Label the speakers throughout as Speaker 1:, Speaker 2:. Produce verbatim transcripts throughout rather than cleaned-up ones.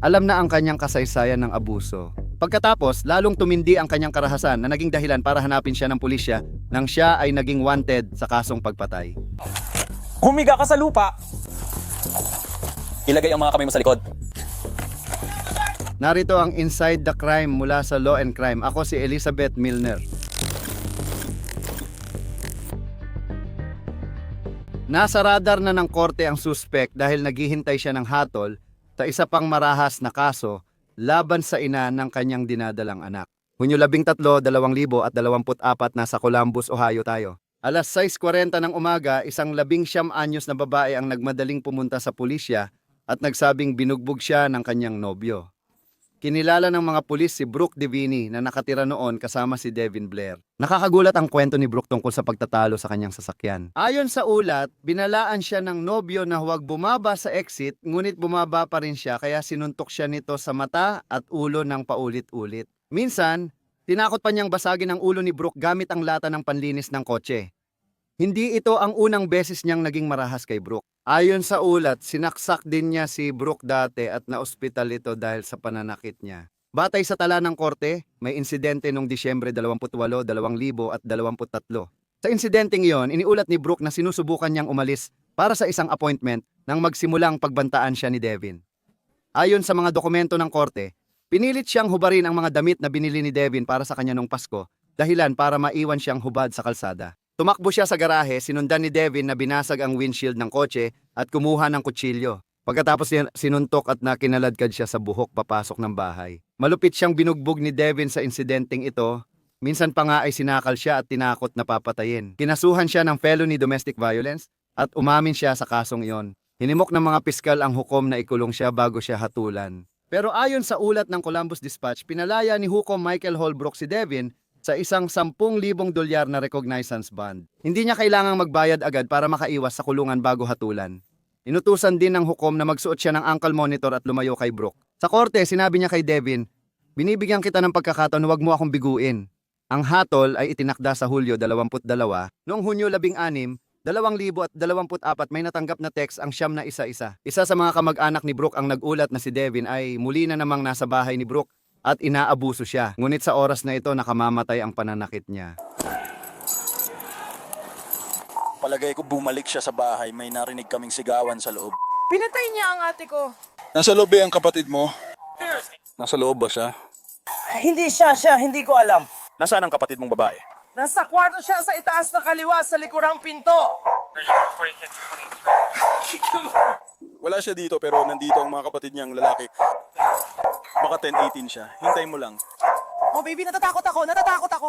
Speaker 1: Alam na ang kanyang kasaysayan ng abuso. Pagkatapos, lalong tumindi ang kanyang karahasan na naging dahilan para hanapin siya ng pulisya nang siya ay naging wanted sa kasong pagpatay.
Speaker 2: Humiga ka sa lupa! Ilagay ang mga kamay mo sa likod.
Speaker 1: Narito ang Inside the Crime mula sa Law and Crime. Ako si Elizabeth Milner. Nasa radar na ng korte ang suspect dahil naghihintay siya ng hatol sa isa pang marahas na kaso laban sa ina ng kanyang dinadalang anak. Hunyo labing tatlo, dalawang libo at dalawamput apat nasa Columbus, Ohio tayo. Alas sais kwarenta ng umaga, isang labing siyam anyos na babae ang nagmadaling pumunta sa pulisya at nagsabing binugbog siya ng kanyang nobyo. Kinilala ng mga pulis si Brooke Divini na nakatira noon kasama si Devin Blair. Nakakagulat ang kwento ni Brooke tungkol sa pagtatalo sa kanyang sasakyan. Ayon sa ulat, binalaan siya ng nobyo na huwag bumaba sa exit, ngunit bumaba pa rin siya kaya sinuntok siya nito sa mata at ulo ng paulit-ulit. Minsan, tinakot pa niyang basagin ang ulo ni Brooke gamit ang lata ng panlinis ng kotse. Hindi ito ang unang beses niyang naging marahas kay Brooke. Ayon sa ulat, sinaksak din niya si Brooke dati at naospital ito dahil sa pananakit niya. Batay sa tala ng korte, may insidente noong Disyembre dalawampu't walo, dalawang libo at dalawamput tatlo. Sa insidenteng iyon, iniulat ni Brooke na sinusubukan niyang umalis para sa isang appointment nang magsimulang pagbantaan siya ni Devin. Ayon sa mga dokumento ng korte, pinilit siyang hubarin ang mga damit na binili ni Devin para sa kanya noong Pasko, dahilan para maiwan siyang hubad sa kalsada. Tumakbo siya sa garahe, sinundan ni Devin na binasag ang windshield ng kotse at kumuha ng kutsilyo. Pagkatapos sinuntok at nakinaladkad siya sa buhok papasok ng bahay. Malupit siyang binugbog ni Devin sa insidenteng ito. Minsan pa nga ay sinakal siya at tinakot na papatayin. Kinasuhan siya ng felony domestic violence at umamin siya sa kasong iyon. Hinimok ng mga piskal ang hukom na ikulong siya bago siya hatulan. Pero ayon sa ulat ng Columbus Dispatch, pinalaya ni Hukom Michael Holbrook si Devin sa isang sampung libong dolyar na recognizance bond. Hindi niya kailangang magbayad agad para makaiwas sa kulungan bago hatulan. Inutusan din ng hukom na magsuot siya ng ankle monitor at lumayo kay Brooke. Sa korte, sinabi niya kay Devin, "Binibigyan kita ng pagkakataon, huwag mo akong biguin." Ang hatol ay itinakda sa Hulyo dalawampu't dalawa. Noong Hunyo labing anim, dalawang libo at dalawamput apat may natanggap na text ang siyam na isa-isa. Isa sa mga kamag-anak ni Brooke ang nag-ulat na si Devin ay muli na namang nasa bahay ni Brooke at inaabuso siya. Ngunit sa oras na ito, nakamamatay ang pananakit niya.
Speaker 3: Palagay ko bumalik siya sa bahay, may narinig kaming sigawan sa loob.
Speaker 4: Pinatay niya ang ate ko.
Speaker 3: Nasa loob eh ang kapatid mo? Nasa loob ba siya?
Speaker 4: Hindi siya, siya. Hindi ko alam.
Speaker 3: Nasaan ang kapatid mong babae?
Speaker 4: Nasa kwarto siya sa itaas na kaliwa sa likurang pinto.
Speaker 3: Wala siya dito pero nandito ang mga kapatid niyang lalaki. Baka ten eighteen siya. Hintayin mo lang.
Speaker 4: Oh baby, natatakot ako. Natatakot ako.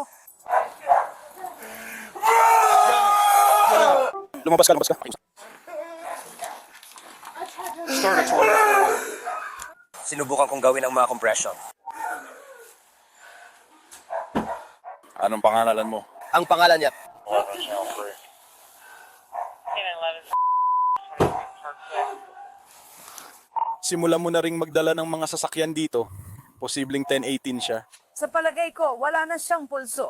Speaker 3: Lumabas ka, lumabas ka.
Speaker 5: Sinubukan kong gawin ang mga compression.
Speaker 3: Anong pangalan mo?
Speaker 5: Ang pangalan niya,
Speaker 3: Simulan mo na ring magdala ng mga sasakyan dito. Posibleng ten eighteen siya.
Speaker 4: Sa palagay ko, wala na siyang pulso.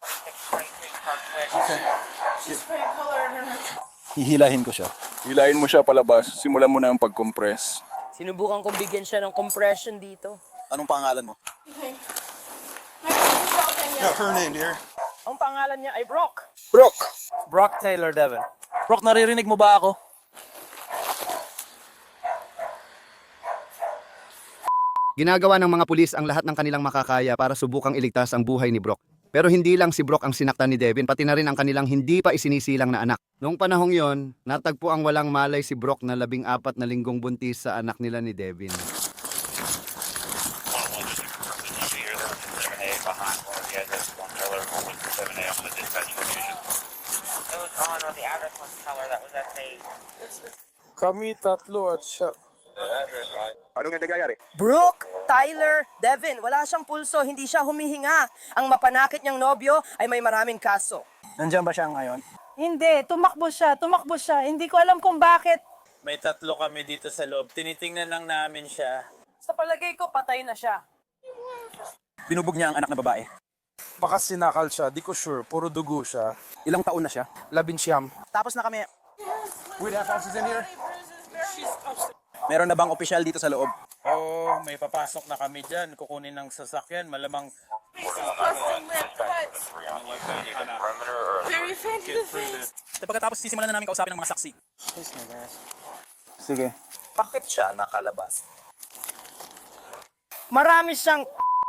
Speaker 3: Hihilahin ko siya. Hilahin mo siya palabas. Simulan mo na ang pag-compress.
Speaker 6: Sinubukan kong bigyan siya ng compression dito.
Speaker 3: Anong pangalan mo? Yeah, her name, dear.
Speaker 4: Ang pangalan niya ay Brooke.
Speaker 3: Brooke!
Speaker 2: Brock Taylor Devin. Brock, naririnig mo ba ako?
Speaker 1: Ginagawa ng mga pulis ang lahat ng kanilang makakaya para subukang iligtas ang buhay ni Brooke. Pero hindi lang si Brooke ang sinaktan ni Devin, pati na rin ang kanilang hindi pa isinisilang na anak. Noong panahong yon, natagpo ang walang malay si Brooke na labing apat na linggong buntis sa anak nila ni Devin.
Speaker 2: Kami tatlo at siya.
Speaker 3: Anong nangyayari?
Speaker 6: Brooke, Tyler, Devin, wala siyang pulso, hindi siya humihinga. Ang mapanakit niyang nobyo ay may maraming kaso.
Speaker 2: Nandiyan ba siya ngayon?
Speaker 4: Hindi, tumakbo siya. Tumakbo siya. Hindi ko alam kung bakit.
Speaker 7: May tatlo kami dito sa loob. Tinitingnan lang namin siya.
Speaker 4: Sa palagay ko, patay na siya.
Speaker 3: Binubog niya ang anak na babae.
Speaker 2: Baka sinakal siya, di ko sure. Puro dugo siya.
Speaker 3: Ilang taon na siya?
Speaker 2: Labinsyam.
Speaker 3: Tapos na kami. Wait, have officers in here? Meron na bang opisyal dito sa loob?
Speaker 7: Oo, may papasok na kami dyan. Kukunin ng sasakyan. Malamang
Speaker 4: Very faint to the face.
Speaker 7: pagkatapos sisimulan na namin kausapin ng mga saksi.
Speaker 2: Sige.
Speaker 5: Bakit siya nakalabas?
Speaker 6: Marami siyang...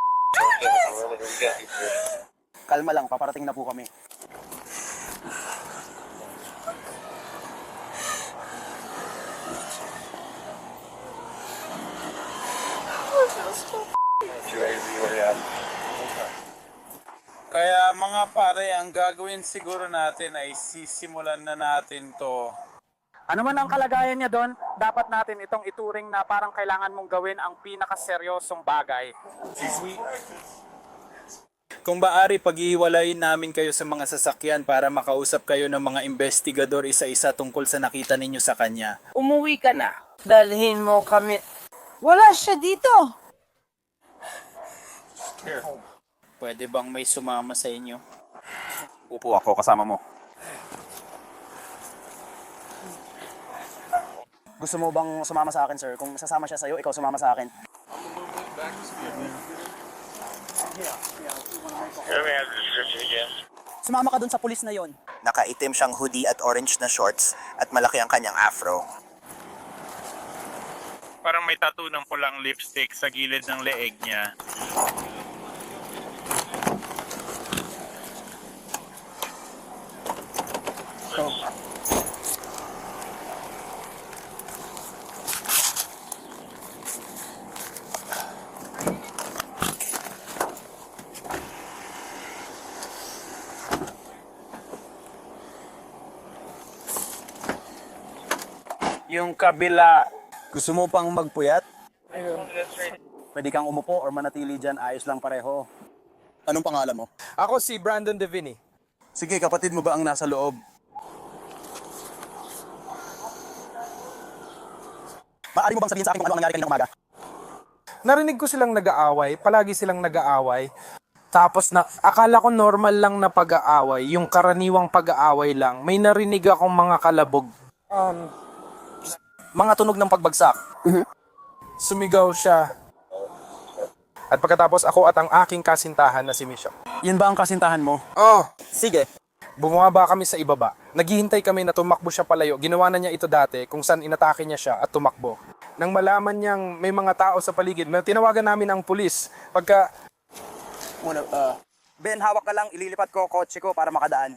Speaker 2: Kalma lang, paparating na po kami.
Speaker 7: Kaya mga pare, ang gagawin siguro natin ay sisimulan na natin to.
Speaker 8: Ano man ang kalagayan niya doon, dapat natin itong ituring na parang kailangan mong gawin ang pinakaseryosong bagay.
Speaker 7: Kung baari, pag-iiwalayin namin kayo sa mga sasakyan para makausap kayo ng mga investigador isa-isa tungkol sa nakita ninyo sa kanya.
Speaker 6: Umuwi ka na. Dalhin mo kami.
Speaker 4: Wala siya dito.
Speaker 7: Pwede bang may sumama sa inyo?
Speaker 3: Upo ako kasama mo.
Speaker 2: Gusto mo bang sumama sa akin, sir? Kung sasama siya sa'yo, ikaw sumama sa akin. Sumama ka dun sa pulis na yon.
Speaker 5: Nakaitim siyang hoodie at orange na shorts at malaki ang kanyang afro.
Speaker 7: Parang may tattoo ng pulang lipstick sa gilid ng leeg niya. Yung kabila,
Speaker 2: Gusto mo pang magpuyat? Pwede kang umupo or manatili dyan, ayos lang pareho.
Speaker 3: Anong pangalan mo?
Speaker 2: Ako si Brandon Devini.
Speaker 3: Sige, kapatid mo ba ang nasa loob?
Speaker 2: Maaari mo bang sabihin sa akin kung ano ang nangyari kaninang umaga?
Speaker 9: Narinig ko silang nag-aaway, palagi silang nag-aaway. Tapos na, akala ko normal lang na pag-aaway, yung karaniwang pag-aaway lang. May narinig akong mga kalabog. Um,
Speaker 2: Mga tunog ng pagbagsak.
Speaker 9: sumigaw siya. At pagkatapos ako at ang aking kasintahan na si Misha.
Speaker 2: Yan ba ang kasintahan mo?
Speaker 9: Oh,
Speaker 2: Sige.
Speaker 9: bumaba kami sa ibaba. Naghihintay kami na tumakbo siya palayo. Ginawa na niya ito dati kung saan inatake niya siya at tumakbo. Nang malaman niyang may mga tao sa paligid, may tinawagan namin ang pulis. Pagka
Speaker 2: Muna, uh, Ben, hawak ka lang. Ililipat ko kotse ko para makadaan.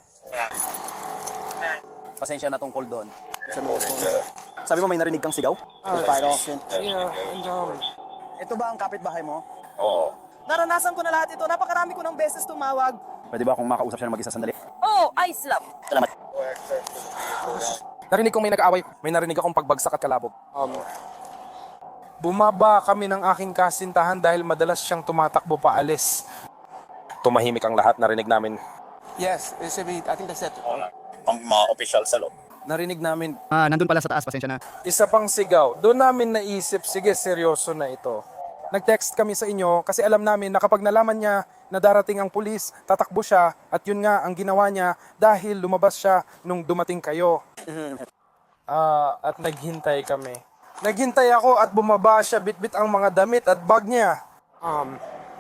Speaker 2: Pasensya na tungkol doon. Sabi mo may narinig kang sigaw? Fire off yun.
Speaker 9: Yeah, and um,
Speaker 2: Ito ba ang kapitbahay mo?
Speaker 3: Oo.
Speaker 6: Naranasan ko na lahat ito. Napakarami ko ng beses tumawag.
Speaker 2: Pwede ba akong makausap siya ng mag-isa sandali?
Speaker 6: Oh, ice love.
Speaker 2: Salamat.
Speaker 9: narinig kong may nag-aaway. May narinig akong pagbagsak at kalabog. Um, bumaba kami ng aking kasintahan dahil madalas siyang tumatakbo paalis. Tumahimik ang lahat, narinig namin.
Speaker 8: yes, I think that's it.
Speaker 5: Ang mga opisyal sa loob.
Speaker 9: Narinig namin
Speaker 1: Ah, nandun pala sa taas, pasensya na.
Speaker 9: isa pang sigaw. Doon namin naisip, sige, seryoso na ito. Nag-text kami sa inyo kasi alam namin na kapag nalaman niya na darating ang pulis, tatakbo siya at yun nga ang ginawa niya dahil lumabas siya nung dumating kayo. Ah, at naghintay kami. Naghintay ako at bumaba siya, bitbit ang mga damit at bag niya. Um,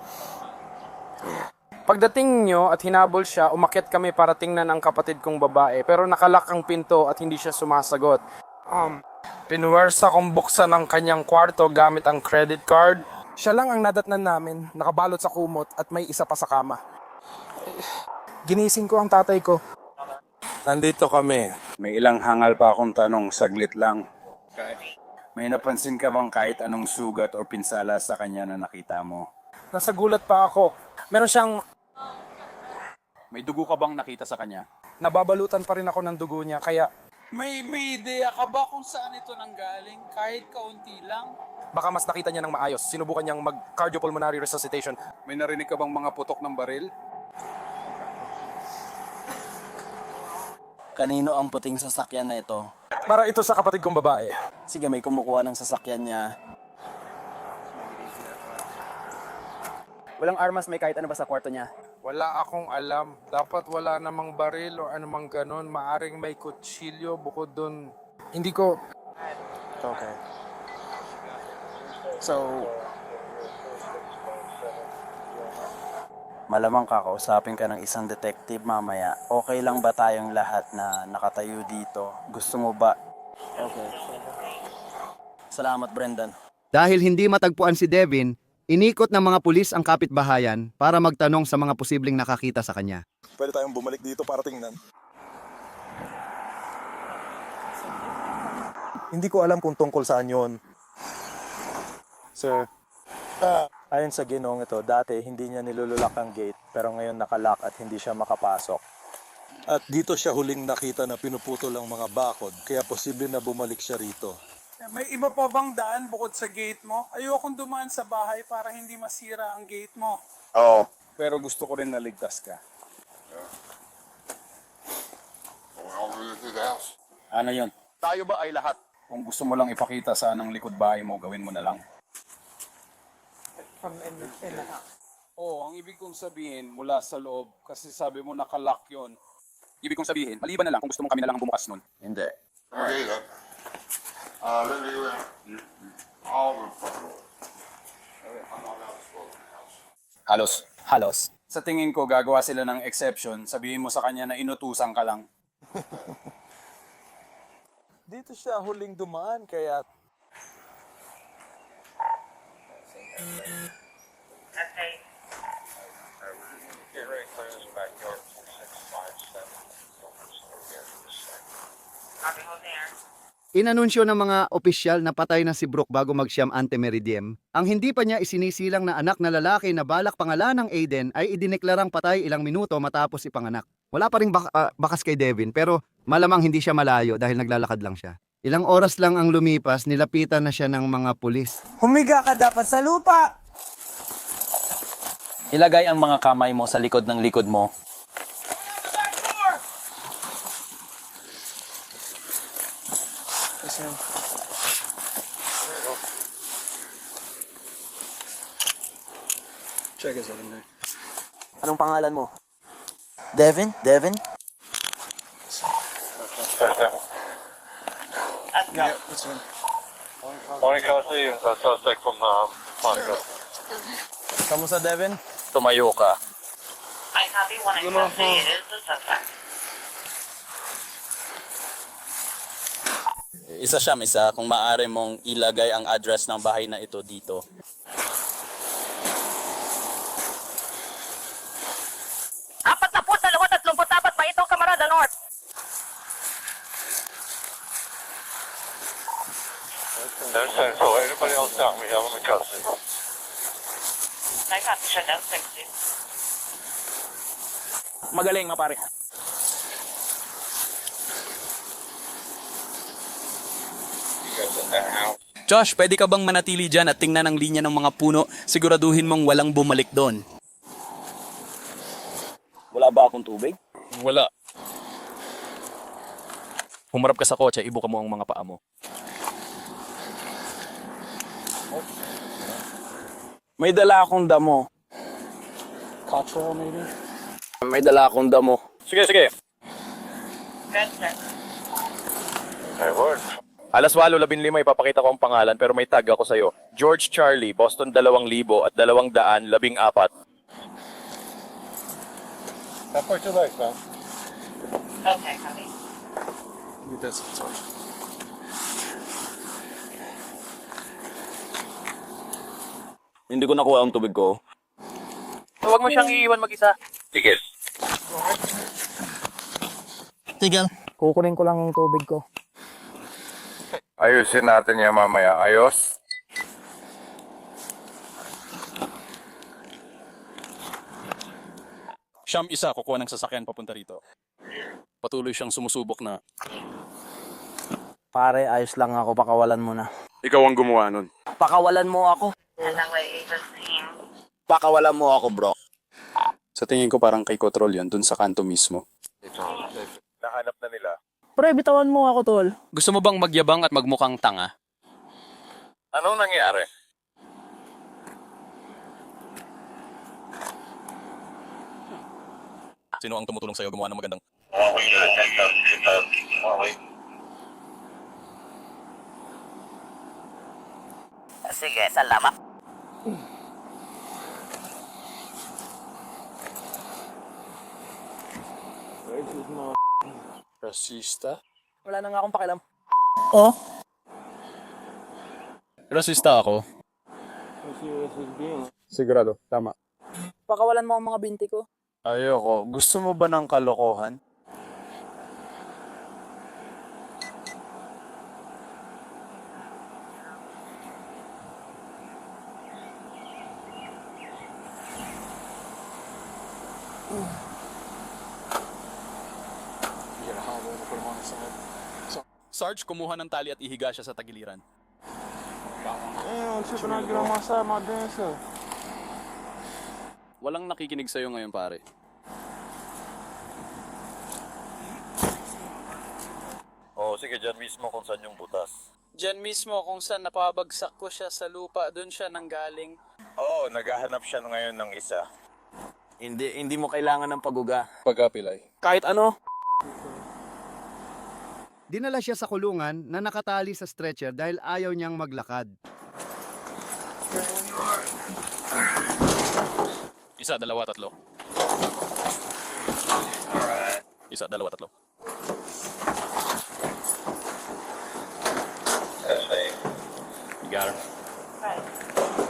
Speaker 9: Pagdating nyo at hinabol siya, umakyat kami para tingnan ang kapatid kong babae. Pero nakalak ang pinto at hindi siya sumasagot. Um, Pinuwersa kong buksan ang kanyang kwarto gamit ang credit card. Siya lang ang nadatnan namin, nakabalot sa kumot at may isa pa sa kama. Ginising ko ang tatay ko.
Speaker 10: Nandito kami. May ilang hangal pa akong tanong, saglit lang. May napansin ka bang kahit anong sugat o pinsala sa kanya na nakita mo?
Speaker 9: Nasa gulat pa ako. Meron siyang
Speaker 3: May dugo ka bang nakita sa kanya?
Speaker 9: nababalutan pa rin ako ng dugo niya kaya
Speaker 7: May, may ideya ka ba kung saan ito nanggaling? Kahit kaunti lang?
Speaker 9: baka mas nakita niya ng maayos. Sinubukan niyang mag-cardiopulmonary resuscitation.
Speaker 3: May narinig ka bang mga putok ng baril?
Speaker 2: Kanino ang puting sasakyan na ito?
Speaker 9: Para ito sa kapatid kong babae.
Speaker 2: Sige, may kumukuha ng sasakyan niya. Walang armas, may kahit ano ba sa kwarto niya?
Speaker 9: Wala akong alam. Dapat wala namang baril o anumang ganon. Maaring may kutsilyo bukod dun. Hindi ko...
Speaker 2: Okay. So, malamang kakausapin ka ng isang detective mamaya. Okay lang ba tayong lahat na nakatayo dito? Gusto mo ba? Okay. Salamat, Brendan.
Speaker 1: Dahil hindi matagpuan si Devin, inikot ng mga pulis ang kapitbahayan para magtanong sa mga posibleng nakakita sa kanya.
Speaker 3: Pwede tayong bumalik dito para tingnan.
Speaker 11: Hindi ko alam kung tungkol saan yon. Sir, ah, ayon sa ginong ito, dati hindi niya nilululak ang gate pero ngayon nakalock at hindi siya makapasok.
Speaker 3: At dito siya huling nakita na pinuputol ang mga bakod, kaya posible na bumalik siya rito.
Speaker 9: May iba pa bang daan bukod sa gate mo? Ayokong dumaan sa bahay para hindi masira ang gate mo.
Speaker 10: Oo. Pero gusto ko rin naligtas ka.
Speaker 2: Ano yun?
Speaker 10: Tayo ba ay lahat? Kung gusto mo lang ipakita saan ang likod bahay mo, gawin mo na lang. Oo, ang ibig kong sabihin mula sa loob, kasi sabi mo nakalock yun. Ibig kong sabihin, maliban na lang kung gusto mo kami na lang ang bumukas nun.
Speaker 2: Hindi.
Speaker 10: Halos.
Speaker 2: Halos.
Speaker 10: Sa tingin ko, gagawa sila ng exception. Sabihin mo sa kanya na inutusan ka lang.
Speaker 11: Dito siya huling dumaan kaya
Speaker 1: Inanunsyo ng mga opisyal na patay na si Brooke bago mag-siyam ante meridiem. Ang hindi pa niya isinisilang na anak na lalaki na balak pangalan ng Aiden ay idineklarang patay ilang minuto matapos ipanganak. Wala pa ring bak- ah, bakas kay Devin pero malamang hindi siya malayo dahil naglalakad lang siya. Ilang oras lang ang lumipas, nilapitan na siya ng mga pulis.
Speaker 6: Humiga ka dapat sa lupa!
Speaker 2: Ilagay ang mga kamay mo sa likod ng likod mo.
Speaker 3: Check us out in there.
Speaker 6: Anong pangalan mo? Devin? Devin?
Speaker 2: Kamusta, Devin?
Speaker 10: Tumayo ka.
Speaker 2: Isa siya, isa. Kung maaari mong ilagay ang address ng bahay na ito dito.
Speaker 6: Apat na po, dalawa, tatlumput apat pa ito, Kamarada North.
Speaker 2: Magaling, mapare.
Speaker 7: Josh, pwede ka bang manatili dyan at tingnan ang linya ng mga puno? Siguraduhin mong walang bumalik doon.
Speaker 2: Wala ba akong tubig?
Speaker 7: Wala. Humarap ka sa kotse, ibuka mo ang mga paa mo.
Speaker 2: May dala akong damo. Cultural, maybe? May dala akong damo.
Speaker 7: Sige, sige. Alas walo labing lima ipapakita ko ang pangalan pero may tag ako sa'yo. George Charlie, Boston dalawang libo at dalawang daan labing apat.
Speaker 2: Hindi ko nakuha ang tubig ko.
Speaker 6: Huwag mo siyang iiwan mag-isa.
Speaker 10: Sige.
Speaker 6: Tigil. Kukunin ko lang yung tubig ko.
Speaker 10: Ayusin natin yan mamaya. Ayos?
Speaker 7: Siyam isa, kukuha ng sasakyan papunta rito. Patuloy siyang sumusubok na.
Speaker 2: Pare, ayos lang ako. Pakawalan mo na.
Speaker 10: Ikaw ang gumawa nun.
Speaker 6: Pakawalan mo ako.
Speaker 2: Pakawalan mo ako, bro.
Speaker 10: Sa tingin ko parang kay Control yun, dun sa kanto mismo. Nahanap na nila.
Speaker 6: Pre, bitawan mo ako, tol.
Speaker 7: Gusto mo bang magyabang at magmukhang tanga?
Speaker 10: Anong nangyari?
Speaker 7: Sino ang tumutulong sa'yo gumawa ng magandang...
Speaker 5: Sige, salamat.
Speaker 7: Rasista?
Speaker 6: Wala na nga akong pakialam.
Speaker 7: Oh? Rasista ako?
Speaker 10: Sigurado, tama.
Speaker 6: Pakawalan mo ang mga binti ko.
Speaker 7: Ayoko. Gusto mo ba ng kalokohan?
Speaker 3: Sarge, kumuha ng tali at ihiga siya sa tagiliran. Walang nakikinig sa'yo ngayon, pare.
Speaker 11: Oo, sige, dyan mismo kung saan yung butas.
Speaker 7: Diyan mismo kung saan napabagsak ko siya sa lupa, doon siya nanggaling.
Speaker 11: Oo, naghahanap siya ngayon ng isa.
Speaker 2: Hindi, hindi mo kailangan ng paguga.
Speaker 3: Pagkapilay.
Speaker 2: Kahit ano.
Speaker 1: Dinala siya sa kulungan na nakatali sa stretcher dahil ayaw niyang maglakad.
Speaker 3: Isa, dalawa, tatlo. Isa, dalawa, tatlo. You got her.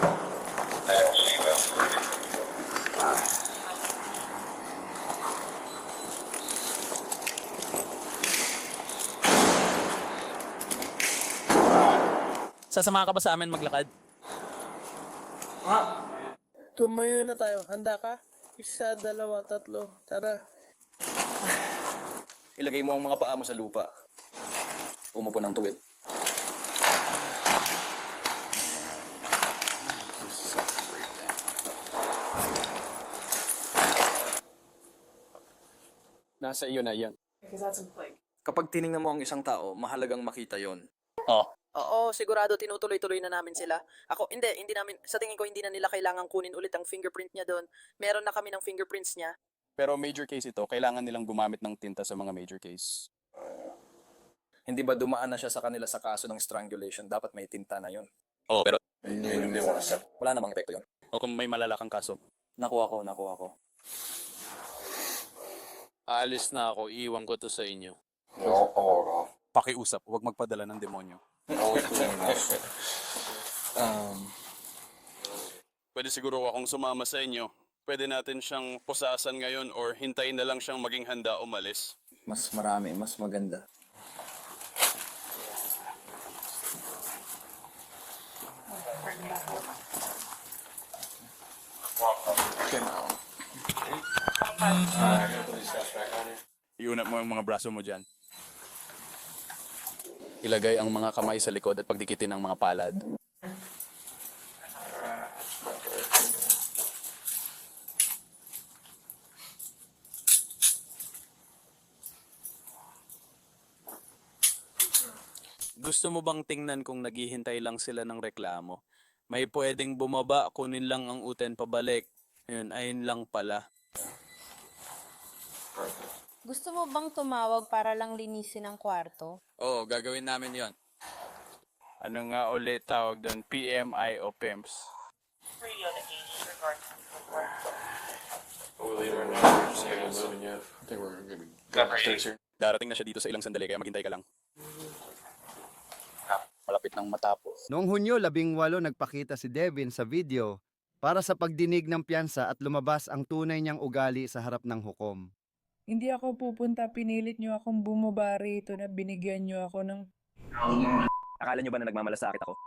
Speaker 2: Sasama ka ba sa amin maglakad?
Speaker 6: Tumayo na tayo. Handa ka? Isa, dalawa, tatlo. Tara.
Speaker 2: Ilagay mo ang mga paa mo sa lupa. Umupo ng tuwid.
Speaker 3: Nasa iyo na yan.
Speaker 2: Kapag tiningnan mo ang isang tao, mahalagang makita yon.
Speaker 6: Oo, sigurado tinutuloy-tuloy na namin sila. Ako, hindi, hindi namin, sa tingin ko hindi na nila kailangang kunin ulit ang fingerprint niya doon. Meron na kami ng fingerprints niya.
Speaker 3: Pero major case ito, kailangan nilang gumamit ng tinta sa mga major case.
Speaker 2: Hindi ba dumaan na siya sa kanila sa kaso ng strangulation? Dapat may tinta na yon.
Speaker 3: Oo, pero
Speaker 2: Wala namang epekto yon.
Speaker 3: o kung may malalakang kaso.
Speaker 2: Nakuha ko, nakuha ko.
Speaker 7: Aalis na ako, iwan ko to sa inyo.
Speaker 3: Pakiusap, huwag magpadala ng demonyo.
Speaker 2: Um,
Speaker 3: Pwede siguro akong sumama sa inyo. Pwede natin siyang pusasan ngayon or hintayin na lang siyang maging handa umalis.
Speaker 2: mas marami, mas maganda.
Speaker 3: Iunat mo ang mga braso mo dyan. Ilagay ang mga kamay sa likod at pagdikitin ang mga palad.
Speaker 7: Gusto mo bang tingnan kung naghihintay lang sila ng reklamo? May pwedeng bumaba, kunin lang ang uten pabalik. Ayun, ayun lang pala.
Speaker 12: Gusto mo bang tumawag para lang linisin ang kwarto?
Speaker 7: Oo, gagawin namin yon. Ano nga ulit tawag doon? P M I o P E M S?
Speaker 3: Darating na siya dito sa ilang sandali kaya maghintay ka lang. Malapit nang matapos.
Speaker 1: Noong Hunyo labing walo nagpakita si Devin sa video para sa pagdinig ng piyansa at lumabas ang tunay niyang ugali sa harap ng hukom.
Speaker 4: Hindi ako pupunta, pinilit niyo akong bumaba rito na binigyan niyo ako ng...
Speaker 2: Akala nyo ba na nagmamalasakit ako?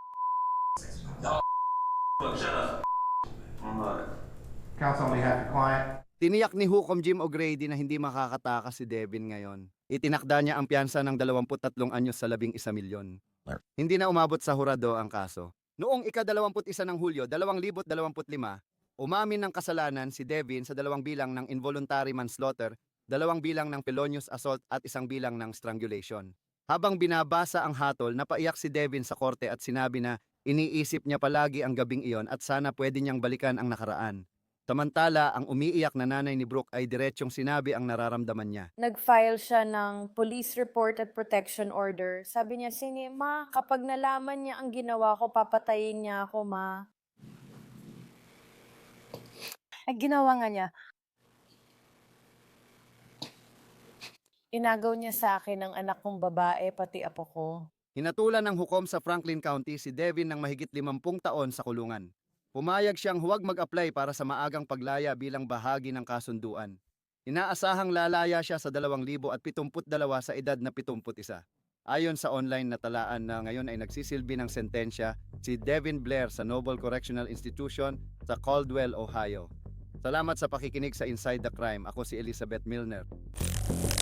Speaker 1: Tiniyak ni Hukom Jim O'Grady na hindi makakatakas si Devin ngayon. Itinakda niya ang piyansa ng dalawampu't tatlong anyos sa labing isa milyon. Hindi na umabot sa hurado ang kaso. Noong ika-dalawamput isa ng Hulyo, dalawang libo't dalawamput lima, umamin ng kasalanan si Devin sa dalawang bilang ng involuntary manslaughter, dalawang bilang ng felonious assault at isang bilang ng strangulation. Habang binabasa ang hatol, napaiyak si Devin sa korte at sinabi na iniisip niya palagi ang gabing iyon at sana pwede niyang balikan ang nakaraan. Samantala, ang umiiyak na nanay ni Brooke ay diretsyong sinabi ang nararamdaman niya.
Speaker 12: Nag-file siya ng police report at protection order. Sabi niya, Sini, ma, kapag nalaman niya ang ginawa ko, papatayin niya ako, ma. Ay, ginawa nga niya. Inagaw niya sa akin ang anak kong babae, pati apo ko.
Speaker 1: Hinatulan ng hukom sa Franklin County si Devin ng mahigit limampung taon sa kulungan. Pumayag siyang huwag mag-apply para sa maagang paglaya bilang bahagi ng kasunduan. Inaasahang lalaya siya sa dalawang libo at pitungput dalawa sa edad na pitungput isa. Ayon sa online na talaan na ngayon ay nagsisilbi ng sentensya, si Devin Blair sa Noble Correctional Institution sa Caldwell, Ohio. Salamat sa pakikinig sa Inside the Crime. Ako si Elizabeth Milner.